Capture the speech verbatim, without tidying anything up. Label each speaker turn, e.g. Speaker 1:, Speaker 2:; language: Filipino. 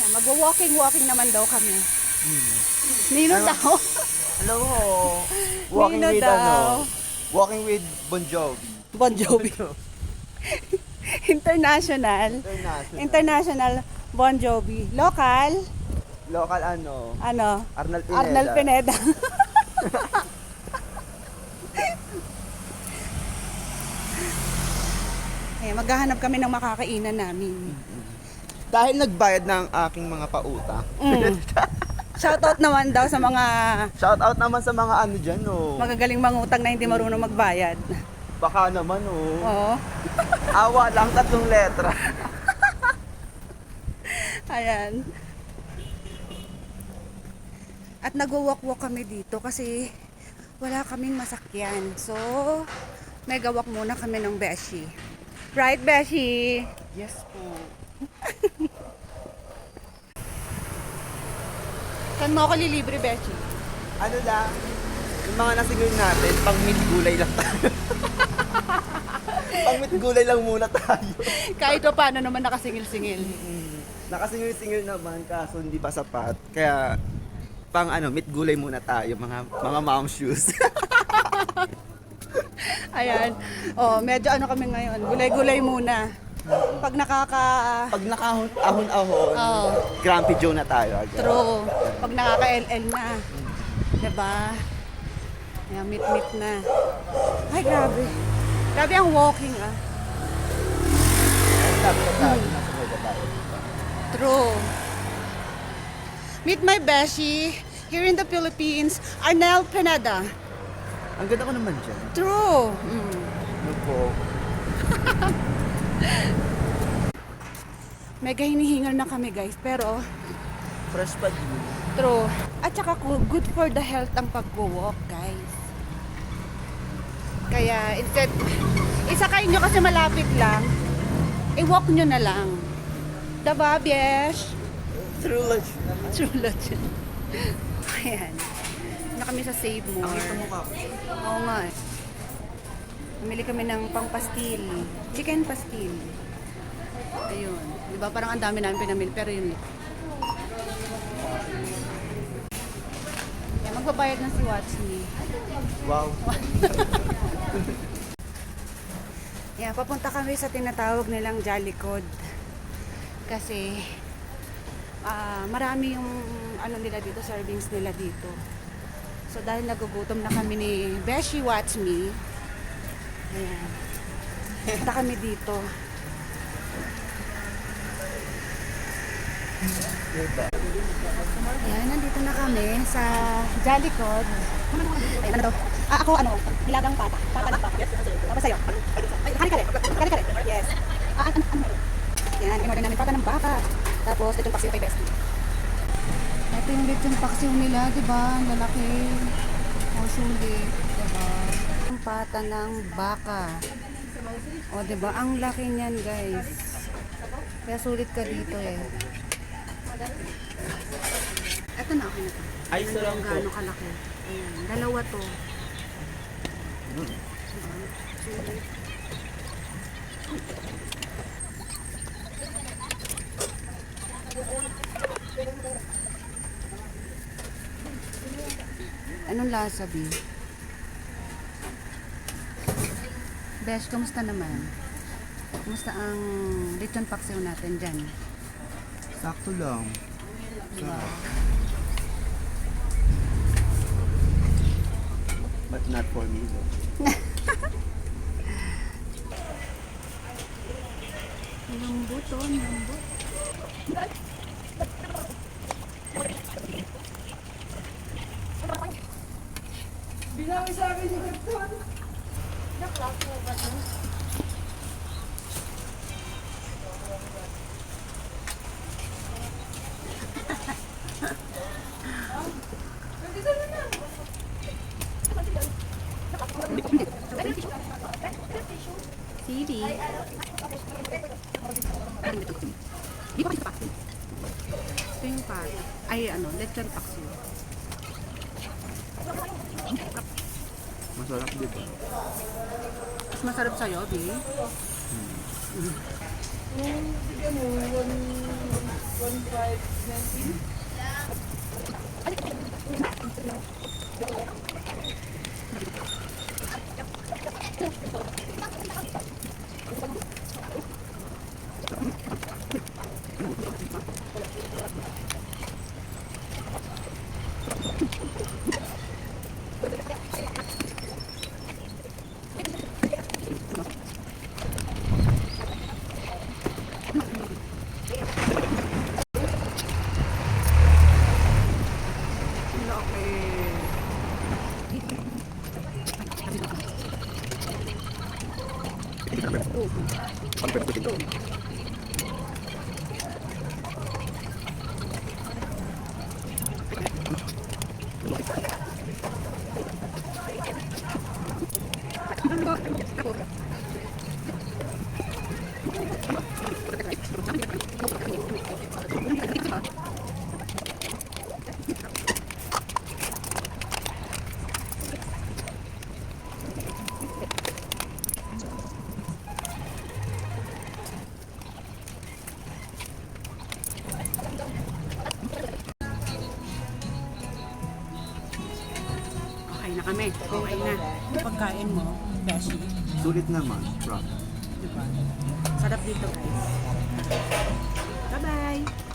Speaker 1: Magwa-walking-walking naman daw kami. Nino daw.
Speaker 2: Hello ho. Walking
Speaker 1: Nino
Speaker 2: with
Speaker 1: daw.
Speaker 2: ano? Walking with Bon Jovi.
Speaker 1: Bon Jovi. International.
Speaker 2: International.
Speaker 1: International Bon Jovi. Local,
Speaker 2: Local ano?
Speaker 1: ano?
Speaker 2: Arnal Pineda.
Speaker 1: Arnal Pineda. Eh, maghahanap kami ng makakainan namin.
Speaker 2: Dahil nagbayad ng aking mga pauta.
Speaker 1: Mm. Shoutout naman daw sa mga
Speaker 2: Shout out naman sa mga ano dyan, oh.
Speaker 1: magagaling mangutang na hindi marunong magbayad.
Speaker 2: Baka naman, oh.
Speaker 1: Oo.
Speaker 2: Awa lang, tatlong letra.
Speaker 1: Ayan. At nagwawak-walk kami dito kasi wala kaming masakyan. So, megawak muna kami ng Beshi. Right, Beshi?
Speaker 2: Yes po.
Speaker 1: Saan mo ako lilibre, Beshi?
Speaker 2: Ano lang, yung mga nasingil natin, pang meat gulay lang tayo. Pang meat gulay lang muna tayo.
Speaker 1: Kahit pa paano naman nakasingil-singil.
Speaker 2: Nakasingil-singil naman kaso hindi pa sapat. Kaya pang ano, meat gulay muna tayo, mga mga mom shoes.
Speaker 1: Ayan. Oh, medyo ano kami ngayon. Gulay-gulay muna. Pag nakaka...
Speaker 2: Pag nakahon-ahon,
Speaker 1: Oh,
Speaker 2: Grumpy Joe na tayo agad.
Speaker 1: true. Pag nakaka-L L na. Diba? Ayan, meet-meet na. Ay, grabe. Grabe ang walking, ah.
Speaker 2: Sabi ko tayo, nasa mga tayo.
Speaker 1: True. Meet my beshi here in the Philippines, Arnel Pineda.
Speaker 2: Ang ganda ko naman dyan.
Speaker 1: True. Mm.
Speaker 2: Ano po?
Speaker 1: Mega hinihingal na kami, guys. Pero,
Speaker 2: Fresh pa din.
Speaker 1: true. At saka good for the health ang pag-walk, guys. Kaya, instead, isakay nyo kasi malapit lang, i-walk nyo na lang. Diba, Biesh?
Speaker 2: True lunch.
Speaker 1: True legend. Ayan. Na kami sa Save More.
Speaker 2: Nakita mo ka.
Speaker 1: Oo nga eh. Bumili kami ng pang-pastil. Chicken pastil. Ayun. Di ba parang ang dami namin pinamili pero yun. Yan, magbabayad na si Watch Me.
Speaker 2: Wow.
Speaker 1: Yan, papunta kami sa tinatawag nilang Jolly Cod. Kasi ah, marami yung ano nila dito, servings nila dito. So dahil nagugutom na kami ni Beshi Watch Me, ayan, punta kami dito. Ayan, nandito na kami sa Jolly Cod. Ay, ano daw? Ah, ako ano, nilagang pata. Pata na pata. Tapos sa'yo. Ay, kare-kare. Kare-kare. Yes. Ah, ano, ano? Yan, in-order namin pata ng baka. Tapos, ito yung paksiw kay Bestie. Ito yung lechon paksiw nila, di ba? Ang lalaki. O, sulit. Di ba? Ang pata ng baka. O, di ba? Ang laki niyan, guys. Kaya sulit ka dito eh. Ito na, okay na to.
Speaker 2: Ay, ito lang
Speaker 1: Kung
Speaker 2: po.
Speaker 1: gaano kalaki. Ayan, dalawa to.
Speaker 2: Hmm.
Speaker 1: Sulit. Anong lasa, B? Besh, kamusta naman? Kamusta ang lechon paksiw natin dyan?
Speaker 2: Sakto lang.
Speaker 1: Diba?
Speaker 2: But not for me, though.
Speaker 1: Lambot, oh, lambot.
Speaker 3: Binawi sa akin yung gagawin.
Speaker 1: Naklak mo ba ito?
Speaker 3: Nandito na na.
Speaker 1: Sidi. Di ba kasi paksiw? Ito yung pat. Ay, ano, lechon paksiw.
Speaker 2: Masarap, di ba?
Speaker 1: Mas masarap sa'yo, Bi.
Speaker 3: Yung, bigyan mo, one, one one five nineteen.
Speaker 1: Okay na kami. Okay na. Pagkain mo, beshi.
Speaker 2: Sulit naman, bro.
Speaker 1: Diba? Sarap dito guys. Bye-bye!